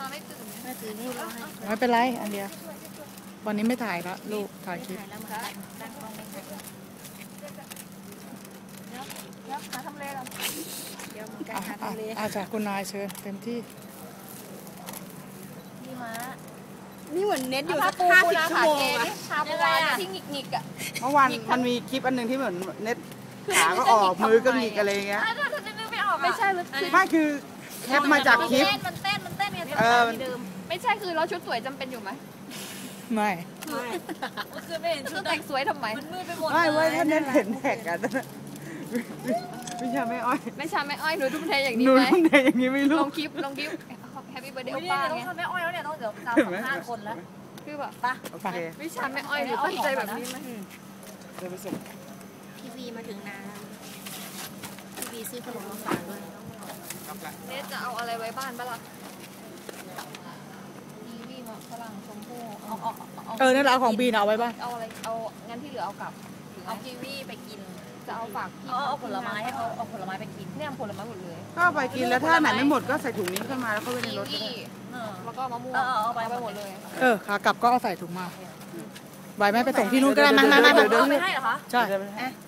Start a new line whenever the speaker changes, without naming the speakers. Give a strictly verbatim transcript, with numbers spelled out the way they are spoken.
ไม่ตื่น
ไม่ตื่นนี่เราให้
ไม่เป็นไรอันเดียววันนี้ไม่ถ่ายละลูกถ่ายคลิป
ถ่ายแล้วมันตั้งกล้องไม่ถ่าย
เดี๋ยวเดี๋ยวหาทำเลก่อน
เดี๋ยวมันใกล้
อ่ะ
หา
อ่ะ
ทำเล
อาจากคุณนายเชิญเต็มที่
นี่ม้า
นี่เหมือนเน็ตอยู่สัก
ปู
ห้า
ปู
สิบ
นา
ชั่ว
ขา
โม
เก
งอะ
นี่ชาปูนาที่หงิกหงิกอ่ะ
เมื่อวานมันมีคลิปอันหนึ่งที่เหมือนเน็ตขาก็ออกมือก็หงิกอะไรเงี้ย
ถ้าถ้าจะนึกไม่ออกไม่ใช่เลย
ไม่คือแคปมาจากคลิป
มันเต้นมันเต้นมันเต้นเนี่ย
เออ
เดิมไม่ใช่คือเราชุดสวยจำเป็นอยู่ไหม
ไม่
คือไม่เห็นชุดแต่งสวยทำไมมันมืดไปหมด
ไม่เว้ยถ้าเน็ตเห็นแท็กอะไม่ใช่ไม่อ้อย
ไม่ใช่ไม่อ้อยหนูทุ่มเทอย่าง
ห
นี้
นู
ไหม
ทุ่มเทอย่างนี้ไม่
ล
รู้
งคลิปลงคลิปแฮปปี้เบิร์ดเดย์โอป้าไง
ไม่อ้อยแล้วเนี่ยต้องเดี๋ยวตามสองห้าคนแล้ว
คือแบบ
ปะ
โอเค
วิชาไม่อ้อยหรือตั้งใจแบบนี้ไหม
เดี๋ยวไปส่ง
พี่วีมาถึงนาพี่วีซื้อขนมมาฝากด้วย
เนสจะเอาอะไรไว้บ้านบ้างล่ะกีวีมะฝรั่งชมพู่เอาเอาเอา
เออนั่นแหละของบีนเอาไว้บ้าง
เอาอะไรเอางั้นที่เหลือเอากลับ
เอากีวีไปกิน
จะเอาฝากพี่
เอาเอาผลไม้เอาเอาผลไม้ไปกิน
เนี่ยผลไม้หมดเลย
ก็ไปกินแล้วถ้าไหนไม่หมดก็ใส่ถุงนี้ขึ้นมาแล้วก็ไว้ใน
กี
รถก็
วี
ได้
เออ
แล้วก็มะม่วง
เออเอาไป
ไปหมดเลย
เออขากลับก็เอาใส่ถุงมาไหวไหมไปส่งที่นู้นก็ได้มามามา
เอาไปให้เหรอคะ
ใช่
เดี๋ยวไปให้
อ่ะ